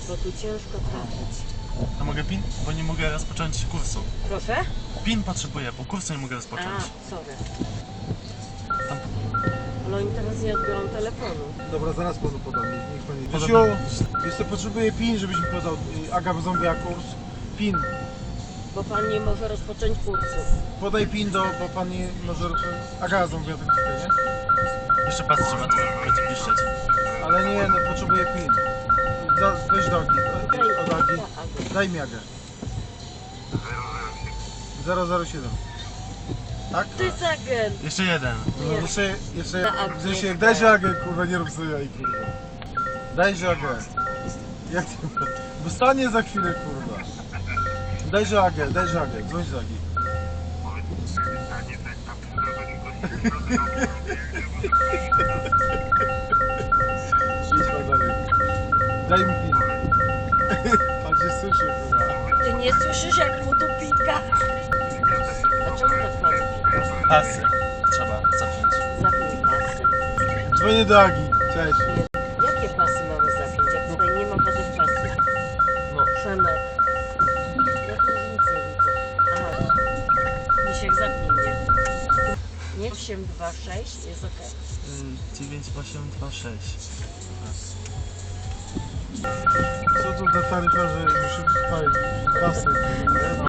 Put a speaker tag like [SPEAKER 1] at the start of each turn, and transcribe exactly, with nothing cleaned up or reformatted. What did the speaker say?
[SPEAKER 1] bo tu ciężko trafić.
[SPEAKER 2] A mogę PIN? Bo nie mogę rozpocząć kursu.
[SPEAKER 1] Proszę?
[SPEAKER 2] PIN potrzebuję, bo kursu nie mogę
[SPEAKER 1] A,
[SPEAKER 2] rozpocząć.
[SPEAKER 1] sorry.
[SPEAKER 2] Tam...
[SPEAKER 1] Ale oni teraz nie odbiorą telefonu.
[SPEAKER 3] Dobra, zaraz panu podam, niech, niech pan nie...
[SPEAKER 2] Podobnie.
[SPEAKER 3] Krzysiu, jeszcze potrzebuję PIN, żebyś mi podał. y, Aga zamówiła kurs. PIN.
[SPEAKER 1] Bo pan nie może rozpocząć kursu.
[SPEAKER 3] Podaj PIN do, bo pan nie może... Aga zamówiła ten PIN, nie?
[SPEAKER 2] Jeszcze pas trzeba to będzie piszczeć.
[SPEAKER 3] Ale nie, no potrzebuję PIN. Da, weź do Agi, od- od Agi. Daj mi Agę. zero zero siedem. Tak?
[SPEAKER 1] To jest agent.
[SPEAKER 2] Jeszcze jeden.
[SPEAKER 3] No,
[SPEAKER 1] Nie.
[SPEAKER 3] jeszcze, jeszcze,
[SPEAKER 1] Na Agę.
[SPEAKER 3] Grzesiek, daj się Agę, kurwa, nie rób sobie jaj, kurwa. Daj się Agę. Jak ty... Bo stanie za chwilę, kurwa. Daj się Agę, daj się Agę, dzwoń do Agi. Idź pan dalej. Daj mi pin. Pan się słyszy, kurwa.
[SPEAKER 1] Ty nie słyszysz, jak mu tu pika? A czemu tak pan pika?
[SPEAKER 2] Pasy trzeba zapiąć.
[SPEAKER 1] Zapnij pasy.
[SPEAKER 3] Dzwonię do Agi. Cześć.
[SPEAKER 1] Jakie pasy mamy zapiąć, jak tutaj nie ma żadnych pasów?
[SPEAKER 3] No.
[SPEAKER 1] Przemek. Ja tu nic nie widzę. Aha. Misiek, zapnij mnie. Nie osiem dwa sześć jest ok.
[SPEAKER 2] dziewięć osiem dwa sześć.
[SPEAKER 3] Co tu za taryfa, że muszę spalić pasy?